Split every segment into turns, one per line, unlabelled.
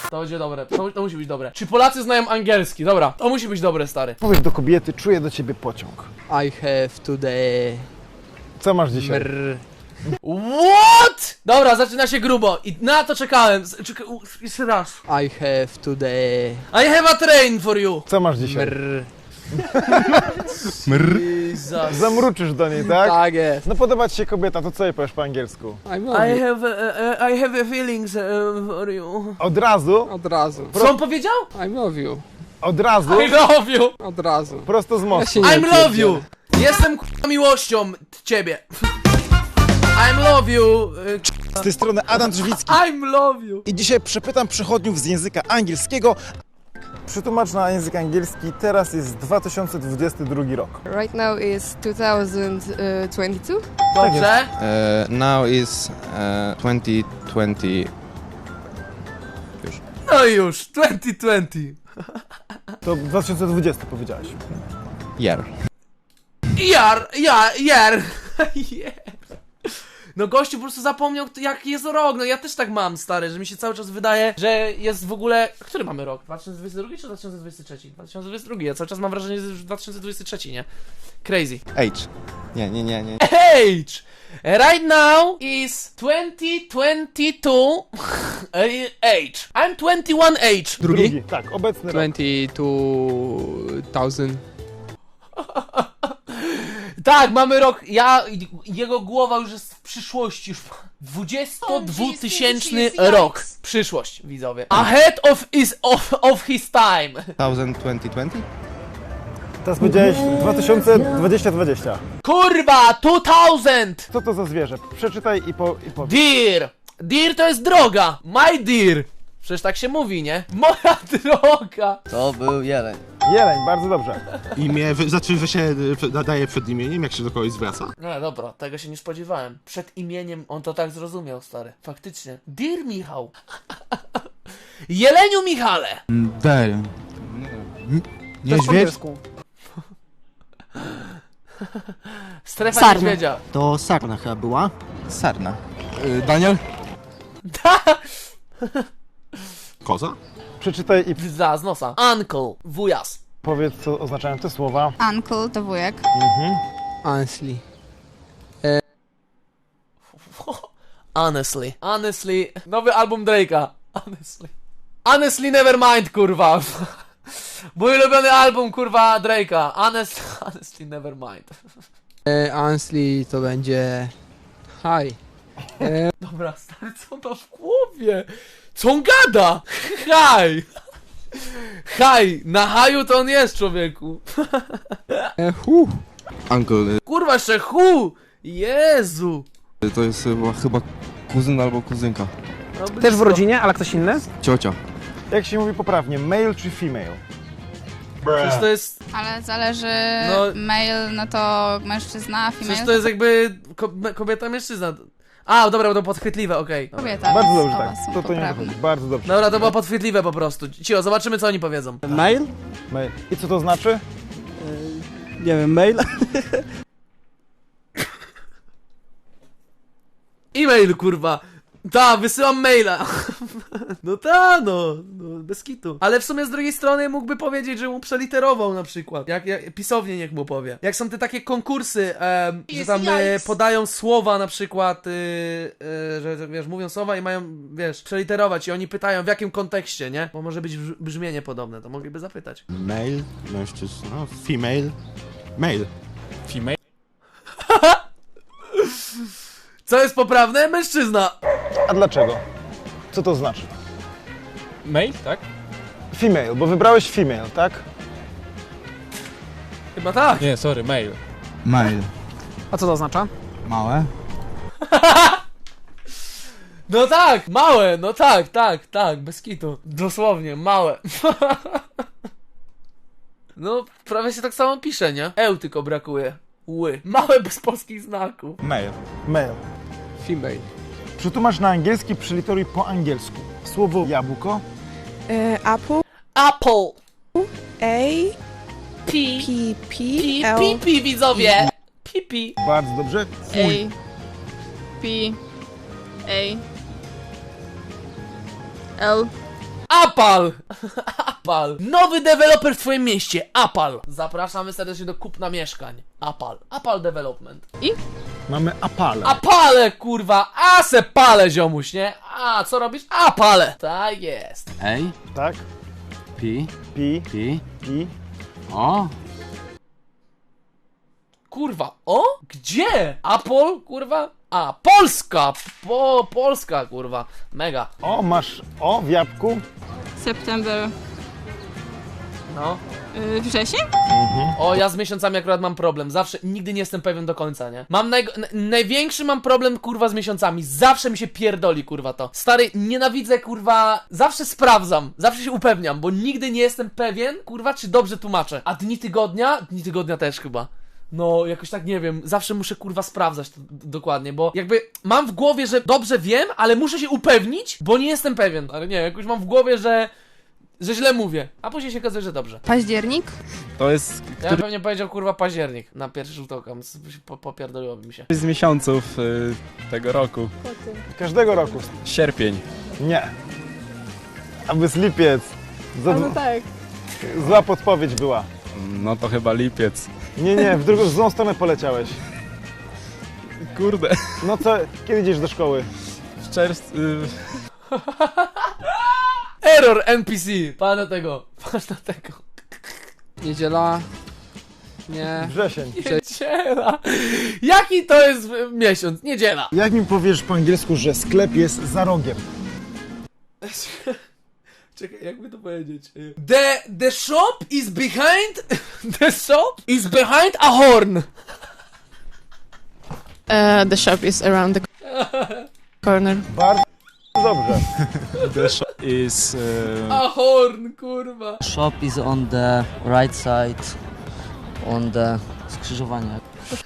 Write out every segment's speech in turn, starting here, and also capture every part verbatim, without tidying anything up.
To będzie dobre, to, to musi być dobre. Czy Polacy znają angielski? Dobra, to musi być dobre, stary.
Powiedz do kobiety, czuję do ciebie pociąg.
I have today...
Co masz dzisiaj?
Mr...
What? Dobra, zaczyna się grubo i na to czekałem. Z- Czekaj, u, jeszcze raz.
I have today...
I have a train for you.
Co masz dzisiaj?
Mr...
Jesus.
Zamruczysz do niej, tak?
Tak jest.
No podoba ci się kobieta, to co jej powiesz po angielsku?
I love
I
you.
have a, a, I have a feelings uh, for you.
Od razu,
Od razu.
Co on powiedział?
I love you.
od razu,
I love you.
Od razu.
prosto z
Ja
mostu.
się nie
I'm love
pierdzielę.
you. Jestem k***a miłością t- ciebie. I'm love you. y,
Z tej strony Adam Drzwicki
I'm love you.
i dzisiaj przepytam przechodniów z języka angielskiego.
Przytłumacz na język angielski, teraz jest dwa tysiące dwudziesty drugi rok.
Right now is two thousand twenty-two.
Dobrze.
Uh, now is uh, twenty twenty.
No i już. dwutysiące dwudziesty.
To dwa tysiące dwudziesty powiedziałeś.
Year.
Jar, jar, jar. Yeah. No gościu po prostu zapomniał, jaki jest rok. No ja też tak mam, stary, że mi się cały czas wydaje, że jest w ogóle... Który mamy rok? dwa tysiące dwudziesty drugi czy dwa tysiące dwudziesty trzeci? dwa tysiące dwudziesty drugi. Ja cały czas mam wrażenie, że jest już dwa tysiące dwudziesty trzeci, nie? Crazy.
Age. Nie, nie, nie, nie.
Age! Right now is twenty twenty-two age. I'm twenty-one age.
Drugi?
Tak, obecny rok.
twenty-two thousand.
Tak, mamy rok. Ja. Jego głowa już jest w przyszłości. Już dwudziestodwutysięczny rok. Przyszłość, widzowie. Ahead of his, of, of his time.
twenty twenty?
Teraz powiedziałeś dwa tysiące dwudziesty dwudziesty.
Kurwa, two thousand!
Co to za zwierzę? Przeczytaj i, po, i powiedz.
Deer! Deer to jest droga! My dear! Przecież tak się mówi, nie? Moja droga!
To był jeleń.
Jeleń, bardzo dobrze.
Imię, wy, znaczy, że się y, nadaje przed imieniem, jak się do kogoś zwraca.
No dobra, tego się nie spodziewałem. Przed imieniem on to tak zrozumiał, stary. Faktycznie. Dear Michał. Jeleniu Michale!
Daj. Niedźwiedź?
Strefa
Sarna.
niedźwiedzia.
To sarna chyba była.
Sarna.
Y, Daniel?
Koza?
Przeczytaj i
Za, z nosa. Uncle. Wujas.
powiedz, co oznaczają te słowa.
Uncle to wujek.
Honestly.
Honestly. Honestly. Nowy album Drake'a. Honestly. Honestly Nevermind, kurwa. Mój ulubiony album, kurwa, Drake'a. Honest, honestly Nevermind.
E, honestly to będzie... Hi. E,
Dobra, stary, co on ma w głowie? Co on gada? Haj! Haj! Na haju to on jest, człowieku.
e, hu.
Uncle.
Kurwa, jeszcze hu! Jezu!
y, To jest chyba, chyba kuzyn albo kuzynka.
No,
Też w
blisko.
rodzinie, ale ktoś inny?
Ciocia.
Jak się mówi poprawnie, male czy female?
Przecież to jest...
Ale zależy,
No.
male, no to mężczyzna,
Przecież
female
to jest jakby ko kobieta, mężczyzna. A, dobra, to podchwytliwe, okej. Dobra.
kobieta.
Bardzo
więc
dobrze,
oba
tak.
są
To, to nie
poprawne.
wychodzi. Bardzo dobrze.
Dobra, to było podchwytliwe po prostu. Cio, zobaczymy co oni powiedzą.
Mail?
Male. I co to znaczy?
Nie wiem, mail?
E-mail, kurwa. Ta, wysyłam maila. No ta, no, no, bez kitu. Ale w sumie z drugiej strony mógłby powiedzieć, że mu przeliterował na przykład. Jak, jak pisownie niech mu powie. Jak są te takie konkursy, em, że tam e, podają słowa na przykład, y, y, że że, wiesz, mówią słowa i mają, wiesz, przeliterować i oni pytają w jakim kontekście, nie? Bo może być brz- brzmienie podobne, to mogliby zapytać.
Male, mężczyzna, no, female, male.
Female?
Co jest poprawne? Mężczyzna.
A dlaczego? Co to znaczy?
Mail, tak?
Female, bo wybrałeś female, tak?
Chyba tak.
Nie, sorry, mail.
Mail. A co to oznacza?
Małe?
No tak, małe, no tak, tak, tak, bez kitu. Dosłownie, małe. No, prawie się tak samo pisze, nie? Eł tylko brakuje. Ły. Małe bez polskich znaków.
Male. Male.
Female.
Przetłumacz na angielski, przyliteruj po angielsku. Słowo jabłko.
Apple.
Apple.
A.
P.
P.
Pi,
P.
pi, pi, widzowie. Pipi.
Bardzo dobrze. Fuj.
P. A. L.
Apal! Apal. Nowy deweloper w twoim mieście. Apal. Zapraszamy serdecznie do kupna mieszkań. Apal. Apal Development.
Mamy Apale.
Apale, kurwa. A se pale, ziomuś, nie? A, co robisz? Apale. Tak jest.
Ej,
Tak?
pi,
Pi,
pi,
pi.
o.
Kurwa. O? Gdzie? Apol, kurwa? A, Polska. Po, Polska, kurwa. Mega.
O, masz O w jabłku.
September.
No.
Yy, wrzesień?
O, ja z miesiącami akurat mam problem. Zawsze, nigdy nie jestem pewien do końca, nie? Mam naj, n- największy mam problem, kurwa, z miesiącami. Zawsze mi się pierdoli, kurwa, to. Stary, nienawidzę, kurwa, zawsze sprawdzam, zawsze się upewniam, bo nigdy nie jestem pewien, kurwa, czy dobrze tłumaczę. A dni tygodnia? Dni tygodnia też chyba. No, jakoś tak nie wiem, zawsze muszę kurwa sprawdzać to d- dokładnie, bo jakby mam w głowie, że dobrze wiem, ale muszę się upewnić, bo nie jestem pewien. Ale nie, jakoś mam w głowie, że że źle mówię, a później się okazuje, że dobrze.
Październik?
To jest
Ja bym pewnie powiedział kurwa październik na pierwszy rzut oka, po, popierdoliłoby mi się.
któryś z miesiąców y, tego roku.
Każdego roku.
Sierpień.
Nie. Aby z lipiec. Za,
No tak.
Zła podpowiedź była.
No to chyba lipiec.
Nie, nie, w drugą w złą stronę poleciałeś.
Kurde.
No co, kiedy idziesz do szkoły?
W czerwcu... Y,
Error N P C, patrz na tego, patrz na tego.
Niedziela. Nie.
Wrzesień.
Niedziela. Jaki to jest y, miesiąc? Niedziela.
Jak mi powiesz po angielsku, że sklep jest za rogiem?
Czekaj, jakby to powiedzieć? Y, The, the shop is behind, the shop is behind a horn.
Uh, the shop is around the corner.
Bardzo dobrze.
the shop is... Y,
A horn, kurwa.
Shop is on the right side, on the skrzyżowanie.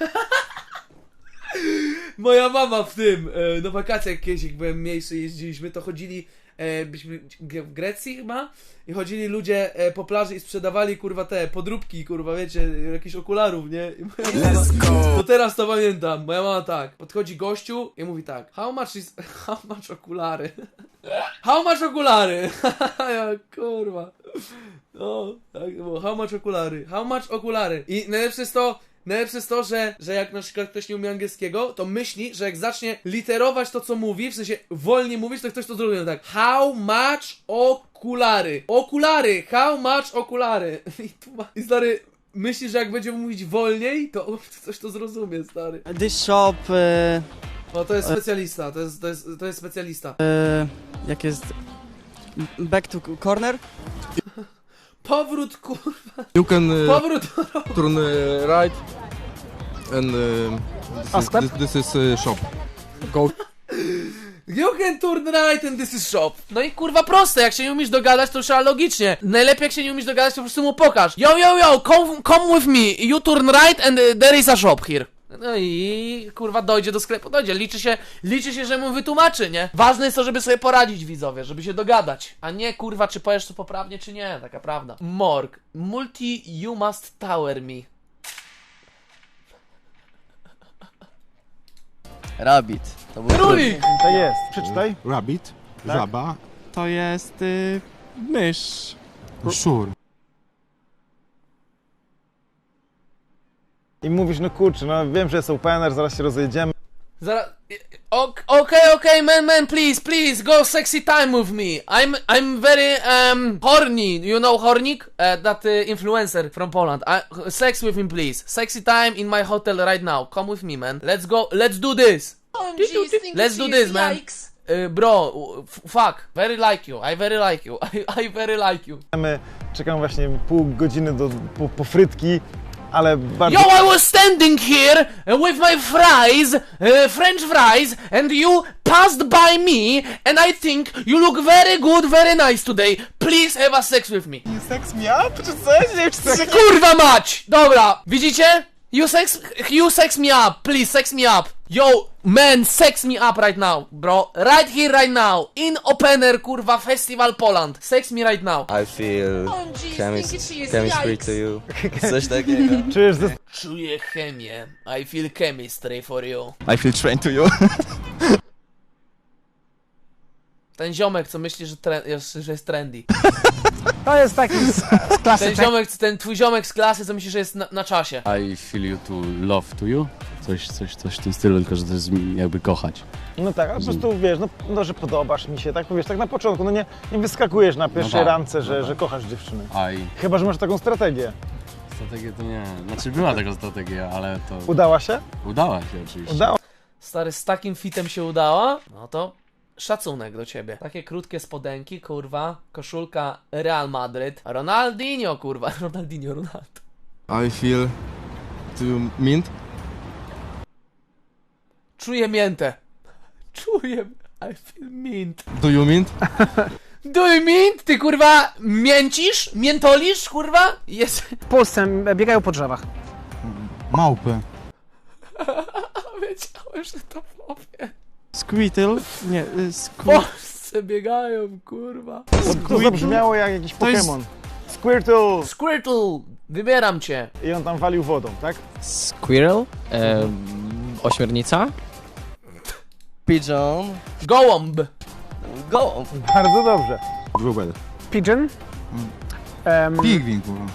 Moja mama w tym, e, na wakacjach kiedyś, jak byłem mniejszy, jeździliśmy, to chodzili, e, byliśmy g- w Grecji chyba, i chodzili ludzie e, po plaży i sprzedawali, kurwa, te podróbki, kurwa, wiecie, jakichś okularów, nie? I moja mama, to teraz to pamiętam, moja mama tak, podchodzi gościu i mówi tak, how much is, how much okulary? How much okulary? Ja, kurwa. No, tak było, how much okulary? How much okulary? I najlepsze jest to, Najlepsze jest to, że, że jak na przykład ktoś nie umie angielskiego, to myśli, że jak zacznie literować to, co mówi, w sensie wolniej mówić, to ktoś to zrobi tak. How much okulary? Okulary! How much okulary? I, tu ma... I stary, myśli, że jak będzie mówić wolniej, to ktoś to zrozumie, stary.
This shop, e,
O, to jest specjalista, to jest, to jest, to jest specjalista.
e, jak jest... Back to corner?
Powrót, kurwa,
You can uh,
powrót.
turn uh, right and uh,
A
this,
sklep?
is, this, this is uh, shop.
Go.
You can turn right and this is shop. No i kurwa proste, jak się nie umiesz dogadać, to trzeba logicznie. Najlepiej jak się nie umiesz dogadać, to po prostu mu pokaż. Yo, yo, yo, come, come with me. You turn right and uh, there is a shop here. No i kurwa dojdzie do sklepu, dojdzie. Liczy się, liczy się, że mu wytłumaczy, nie? Ważne jest to, żeby sobie poradzić, widzowie, żeby się dogadać. A nie kurwa, czy powiesz to poprawnie, czy nie, taka prawda. Morg. Multi you must tower me.
Rabbit. To był
Królik!
To jest. Przeczytaj.
Rabbit,
Tak.
żaba,
to jest... Y, mysz.
szur.
I mówisz, no kurczę, no wiem, że jest opener, zaraz się rozejdziemy.
Zaraz. Ok- Okej, okej, man, man, please, please, go sexy time with me. I'm, I'm very, um, horny. You know Hornik? Uh, that uh, influencer from Poland. I, sex with him, please. Sexy time in my hotel right now. Come with me, man. Let's go. Let's do this. Let's do this, man. Uh, bro, f- fuck. Very like you. I very like you. I, I very like you.
Czekam właśnie pół godziny do, po, po frytki, ale bardzo...
Yo, I was standing here with my fries, uh, French fries, and you passed by me, and I think you look very good, very nice today. Please have a sex with me.
Seks miał? Czy coś? Nie wiem, czy coś...
Kurwa mać! Dobra, widzicie? You sex, you sex me up, please sex me up. Yo, man, sex me up right now, bro. Right here, right now. In opener, kurwa, Festival Poland. Sex me right now.
I feel chemis- chemistry to you. Coś takiego.
Czujesz ze...
Czuję chemię. I feel chemistry for you.
I feel trained to you.
Ten ziomek, co myśli, że, tre- jest, że jest trendy.
To jest taki z, z klasy.
Ten ziomek, ten twój ziomek z klasy, co myśli, że jest na, na czasie.
I feel you to love to you. Coś, coś, coś w tym stylu, tylko że to jest jakby kochać.
No tak, a po prostu wiesz, no, no że podobasz mi się, tak powiesz, tak na początku, no nie, nie wyskakujesz na pierwszej
tak,
randce,
no
że,
tak.
że kochasz dziewczynę.
I
Chyba, że masz taką strategię.
strategię to nie. Znaczy była taka strategia, ale to
Udała się?
udała się oczywiście.
Udała.
Stary, z takim fitem się udała? No to szacunek do ciebie. Takie krótkie spodenki, kurwa, koszulka Real Madryt. Ronaldinho, kurwa, Ronaldinho, Ronaldo.
I feel to mint.
Czuję miętę. Czuję, I feel mint.
Do you mint?
Do you mint? Ty, kurwa, mięcisz? Miętolisz, kurwa? Jest...
W Polsce biegają po drzewach.
Małpy.
Wiedziałem, że to powie.
Squirtle? Nie,
W Polsce biegają, kurwa.
To, to zabrzmiało jak jakiś
To jest-
Pokémon. Squirtle!
Squirtle, wybieram cię.
I on tam walił wodą, tak?
Squirrel? Ehm, ośmiornica?
Pigeon.
Gołąb.
Go.
Bardzo dobrze.
Wróbel.
Pigeon. Um,
Pigwin, kurwa.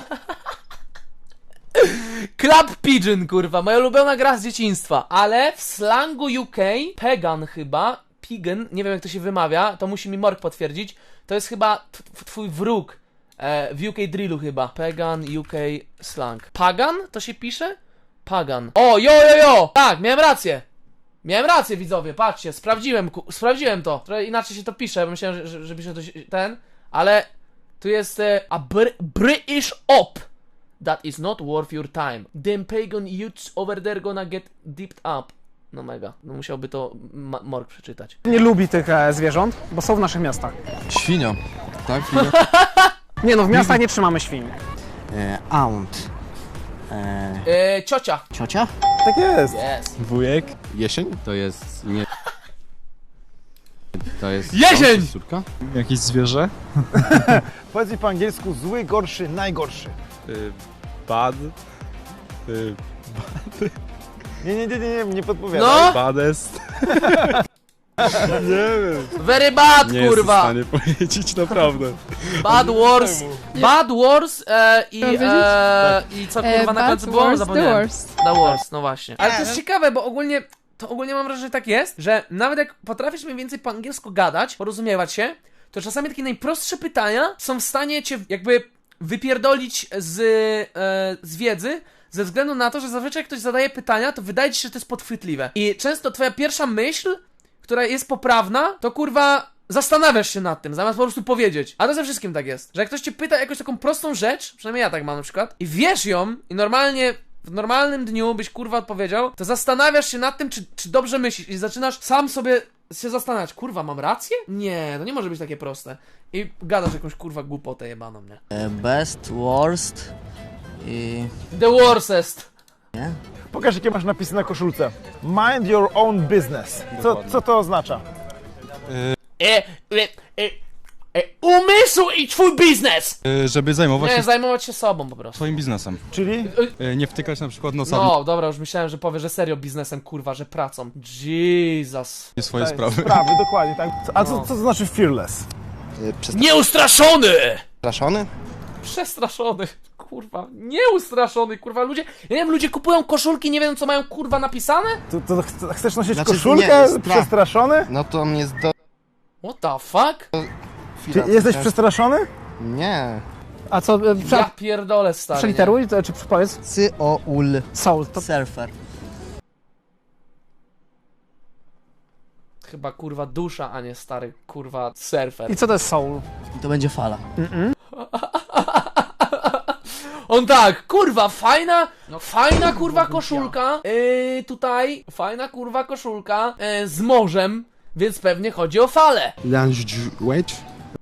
Club Pigeon, kurwa, moja ulubiona gra z dzieciństwa, ale w slangu U K, Pagan chyba, Pigeon, nie wiem jak to się wymawia, to musi mi Mork potwierdzić, to jest chyba t- t- twój wróg e, w U K drillu chyba, Pagan U K slang. Pagan to się pisze? Pagan. O, jo, jo, jo! Tak, miałem rację. Miałem rację, widzowie, patrzcie, sprawdziłem, ku- sprawdziłem to. Trochę inaczej się to pisze, bo myślałem, że, że, że pisze to się, ten, ale tu jest e, a br- British op. That is not worth your time. Them pagan youths over there gonna get dipped up. No mega. No musiałby to Ma- Mork przeczytać.
nie lubi tych e, zwierząt, bo są w naszych miastach.
Świnia. Tak, świnia.
Nie no, w miastach nie trzymamy świń.
E, aunt. E,
Eee, ciocia.
ciocia?
Tak jest.
Yes.
Wujek. Jesień? To jest nie... To jest...
Jesień!
Córka? Jakieś zwierzę?
Powiedz mi po angielsku zły, gorszy, najgorszy.
Y, bad. Y,
Nie, nie, nie, nie, nie, nie podpowiadaj.
No!
badest. Nie wiem.
Very bad,
Nie
kurwa.
jestem w stanie powiedzieć naprawdę.
Bad Wars. Bad Wars e, i,
Mam wiedzieć?
e, i co kurwa
E,
na
Bad
końcu było?
Wars, The
Zapomniałem.
Wars.
The Wars, no właśnie. Ale to jest ciekawe, bo ogólnie, to ogólnie mam wrażenie, że tak jest, że nawet jak potrafisz mniej więcej po angielsku gadać, porozumiewać się, to czasami takie najprostsze pytania są w stanie cię jakby wypierdolić z, e, z wiedzy, ze względu na to, że zazwyczaj jak ktoś zadaje pytania, to wydaje ci się, że to jest podchwytliwe. I często twoja pierwsza myśl, która jest poprawna, to kurwa zastanawiasz się nad tym, zamiast po prostu powiedzieć. A to ze wszystkim tak jest, że jak ktoś cię pyta jakąś taką prostą rzecz, przynajmniej ja tak mam na przykład, i wiesz ją i normalnie w normalnym dniu byś kurwa odpowiedział, to zastanawiasz się nad tym, czy, czy dobrze myślisz i zaczynasz sam sobie się zastanawiać, kurwa, mam rację? Nie, to nie może być takie proste. I gadasz jakąś kurwa głupotę jebaną, nie?
E, best, worst. I...
The worstest.
Nie?
Pokaż, jakie masz napisy na koszulce. Mind your own business. Co, co to oznacza?
E, e, e, e, umysł i twój biznes!
Żeby zajmować
Nie,
się
zajmować się sobą po prostu.
swoim biznesem.
Czyli?
Nie wtykać na przykład nosa
No, dobra, już myślałem, że powie, że serio biznesem, kurwa, że pracą. Jesus.
w swoje
Tak,
sprawy.
Sprawy, dokładnie, tak. A co,
No.
co to znaczy fearless?
Nieustraszony!
Przestraszony?
Przestraszony. Kurwa, nieustraszony, kurwa, ludzie... Ja nie wiem, ludzie kupują koszulki, nie wiedzą, co mają, kurwa, napisane?
To, to ch- chcesz nosić
Znaczy,
koszulkę?
nie, jest pra-
Przestraszony?
No to mnie jest do...
What the fuck?
Czy jesteś przestraszony?
Nie.
A co, e, prze,
Ja pierdolę, stary, nie?
przeliteruj, to, czy powiedz?
Sy-o-ul.
Soul, to
Surfer.
Chyba, kurwa, dusza, a nie stary, kurwa, surfer.
i co to jest soul?
I to będzie fala.
On tak, kurwa, fajna, fajna kurwa koszulka, yy, tutaj, fajna kurwa koszulka, yy, z morzem, więc pewnie chodzi o falę.
Language.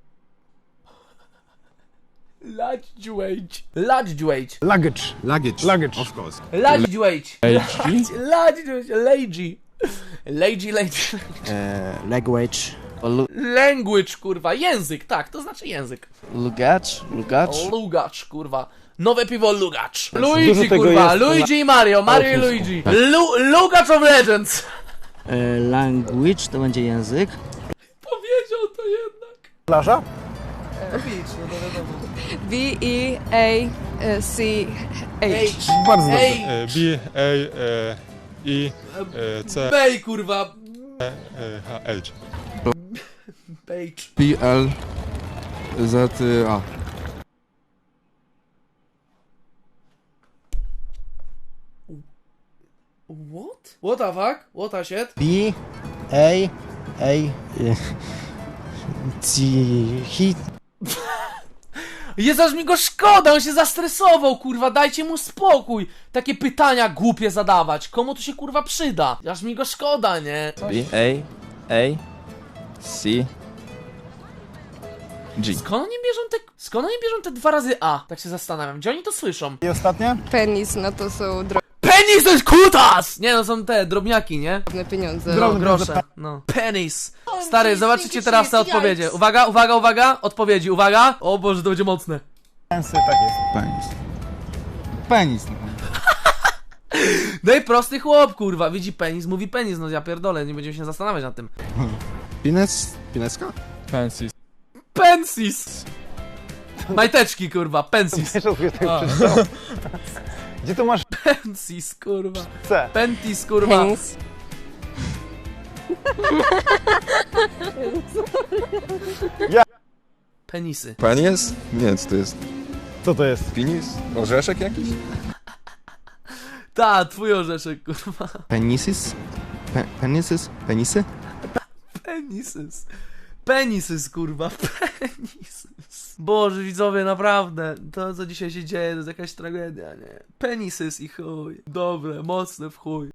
Ladźdźłeć. Ladźdźłeć.
Luggage.
Luggage.
Luggage.
Of course.
Ladźdźłeć. Ladźdźłeć. Lady. Lady, lady.
E, language.
Language, kurwa, język, tak, to znaczy język.
Lugacz. Lugacz.
Lugacz, kurwa. Nowe piwo Lugacz.
Dużo
Luigi,
tego
kurwa,
jest
Luigi i Mario, Mario i Luigi. Lu Lugacz of Legends.
E, language to będzie język.
Powiedział powiedział to jednak.
Plaża?
Beach, no to wiadomo.
B E A C H.
Bardzo dobrze.
Ej,
B, A, E, I, E, C,
Bej, kurwa.
E, H, H.
Beach.
P L Z A.
What? What the fuck? What the shit?
B, A, A, C, hit.
Jest aż mi go szkoda, on się zastresował, kurwa, dajcie mu spokój. Takie pytania głupie zadawać, komu to się kurwa przyda? Aż mi go szkoda, nie?
B, A, A, C, G.
Skąd oni bierzą te, skąd oni bierzą te dwa razy A? Tak się zastanawiam, gdzie oni to słyszą?
I ostatnie?
Penis, no to są
Penis to jest kutas! Nie no, są te drobniaki, nie?
drobne pieniądze.
No, grosze, no. Penis. Stary, zobaczycie teraz te odpowiedzi. Uwaga, uwaga, uwaga, odpowiedzi, uwaga. O Boże, to będzie mocne.
Pensy, tak jest.
Penis. Penis.
No i prosty chłop, kurwa, widzi penis, mówi penis, no ja pierdolę, nie będziemy się zastanawiać nad tym.
Pines? Pineska?
Fancy.
Pensis. Majteczki, kurwa, pensis.
Wiesz, od tego przeczytał. Gdzie tu masz
Pensis, kurwa.
C?
Pentis, kurwa.
Penis.
Penisy.
Penis? Nie, co to jest?
Co to jest?
Penis? Orzeszek jakiś?
Ta, twój orzeszek, kurwa.
Penisis? Pe penises? Penisy?
Penisys. Penisys, kurwa, penisys. Boże, widzowie, naprawdę, to co dzisiaj się dzieje, to jest jakaś tragedia, nie? Penisys i chuj. Dobre, mocne w chuj.